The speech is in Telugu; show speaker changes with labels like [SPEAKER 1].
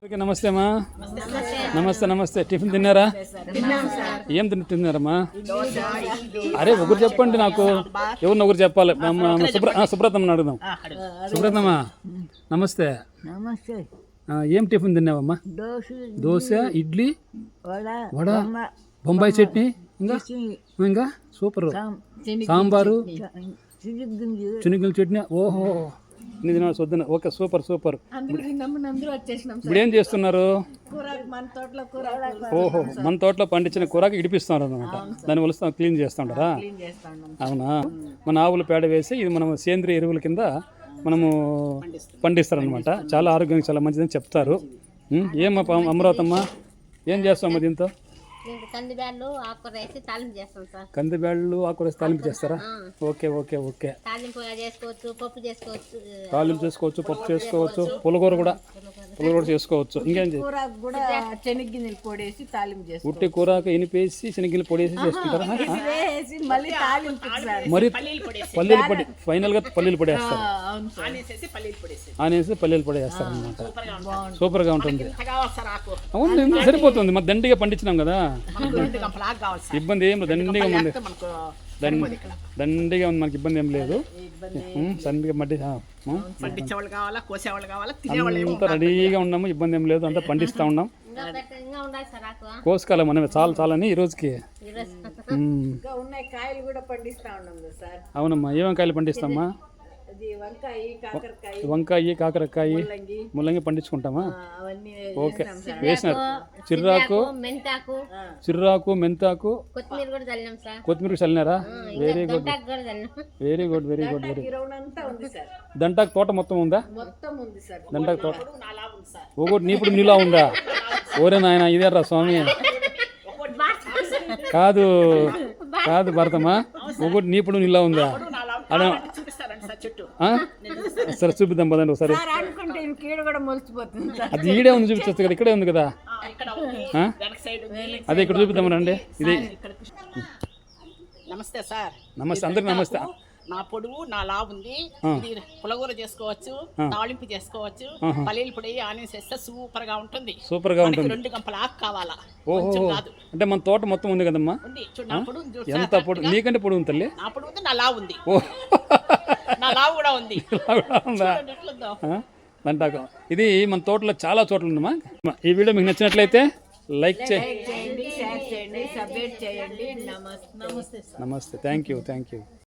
[SPEAKER 1] ఓకే, నమస్తే అమ్మా. నమస్తే నమస్తే. టిఫిన్ తిన్నారా? ఏం తిన్నారమ్మా? అరే ఒకరు చెప్పండి నాకు, ఎవరిని ఒకరు చెప్పాలి. సుబ్రతమ్మని అడుగుదాం. సుబ్రతమ్మా నమస్తే.
[SPEAKER 2] నమస్తే.
[SPEAKER 1] ఏం టిఫిన్ తిన్నావమ్మా? దోశ, ఇడ్లీ, వడ, బొంబాయి చట్నీ, ఇంకా ఇంకా సూపర్, సాంబారు, శనగల చట్నీ. ఓహో ఇన్ని తినాలి వద్దున. Okay, super super. ఇప్పుడు ఏం చేస్తున్నారు? ఓహో, మన తోటలో పండించిన కూరకి ఇడిపిస్తున్నారు అనమాట. దాన్ని వలుస్తా క్లీన్ చేస్తుంటారా? అవునా. మన ఆవుల పేడ వేసి ఇది మనం సేంద్రియ ఎరువుల కింద మనము పండిస్తారనమాట. చాలా ఆరోగ్యానికి చాలా మంచిదని చెప్తారు. అమరావతమ్మ ఏం చేస్తామమ్మా దీంతో?
[SPEAKER 3] కందిబ్యాళ్ళు ఆకుకూర వేసి తాలింపు చేస్తాం సార్.
[SPEAKER 1] కందిబ్యాళ్ళు ఆకుకూర వేసి తాలింపు చేస్తారా? Okay okay okay.
[SPEAKER 3] తాలింపు చేసుకోవచ్చు, పప్పు చేసుకోవచ్చు.
[SPEAKER 1] తాలింపు చేసుకోవచ్చు, పప్పు చేసుకోవచ్చు, పులగూర కూడా చేసుకోవచ్చు. ఇంకేం
[SPEAKER 2] శనగ్గిన్నెలు పొడేసి తాలింపు చేస్తాం.
[SPEAKER 1] ఉట్టి కూరకు ఎనిపేసి శనగిన్నెలు పొడేసి చేసుకుంటారా? మరి పల్లీలు పొడి, ఫైనల్ గా పల్లీలు పొడి వేస్తారు. ఆనేసి పల్లీలు పొడి వేస్తారు అనమాట. సూపర్ గా ఉంటుంది. అవును, సరిపోతుంది. మరి దండిగా పండించినాం కదా, ఇబ్బంది ఏం లేదు. దండిగా ఉంది, దండిగా ఉంది, మనకి ఇబ్బంది ఏం లేదు. సన్నిగా మట్టి అంతా రెడీగా ఉన్నాము, ఇబ్బంది ఏం లేదు. అంతా పండిస్తూ ఉన్నాం. కోసుకోవాలి మనమే చాలా చాలా అని ఈ రోజుకి. అవునమ్మా, ఏమేమి కాయలు పండిస్తామా? వంకాయ, కాకరకాయ, ముల్లంగి పండించుకుంటామా? ఓకే, వేసినారు. చిర్రాకు, మెంతాకు, కొత్తిమీర చల్లినారా? Very good very good very good very good. దంటాకు తోట మొత్తం ఉందా? దంటాకు తోట ఒకటి నీపుడు నీలా ఉందా? ఓరే నాయన, ఇదేరా స్వామి. కాదు కాదు భరతమ్మా, ఒకటి నీపుడు నీలా ఉందా? సరే చూపిద్దాం పదండి ఒకసారి. అది ఈడే ఉంది, చూపించచ్చు కదా, ఇక్కడే ఉంది కదా. అదే ఇక్కడ చూపిద్దాం రండి. ఇది
[SPEAKER 4] నమస్తే సార్.
[SPEAKER 1] నమస్తే అందరికి నమస్తే.
[SPEAKER 4] నా పొడువు నా లావు ఉంది. పులగూర చేసుకోవచ్చు, తాళింపు చేసుకోవచ్చు, పల్లీలు పొడి ఆనియన్స్ వేస్తే సూపర్ గా ఉంటుంది.
[SPEAKER 1] సూపర్ గా ఉంటుంది.
[SPEAKER 4] 2 గంపల ఆకు కావాలా?
[SPEAKER 1] ఓహో, అంటే మన తోట మొత్తం ఉంది కదమ్మా. ఎంత పొడి? నీకంటే పొడి ఉంది తల్లి.
[SPEAKER 4] నా పొడుగు ఉంది, నా లావు ఉంది. నా లావు కూడా ఉంది.
[SPEAKER 1] దంటాకు ఇది మన తోటలో చాలా చోట్ల ఉందమ్మా. ఈ వీడియో మీకు నచ్చినట్లయితే లైక్ చేయండి.
[SPEAKER 2] షేర్ చేయండి, సబ్స్క్రైబ్ చేయండి.
[SPEAKER 1] నమస్తే. Thank you.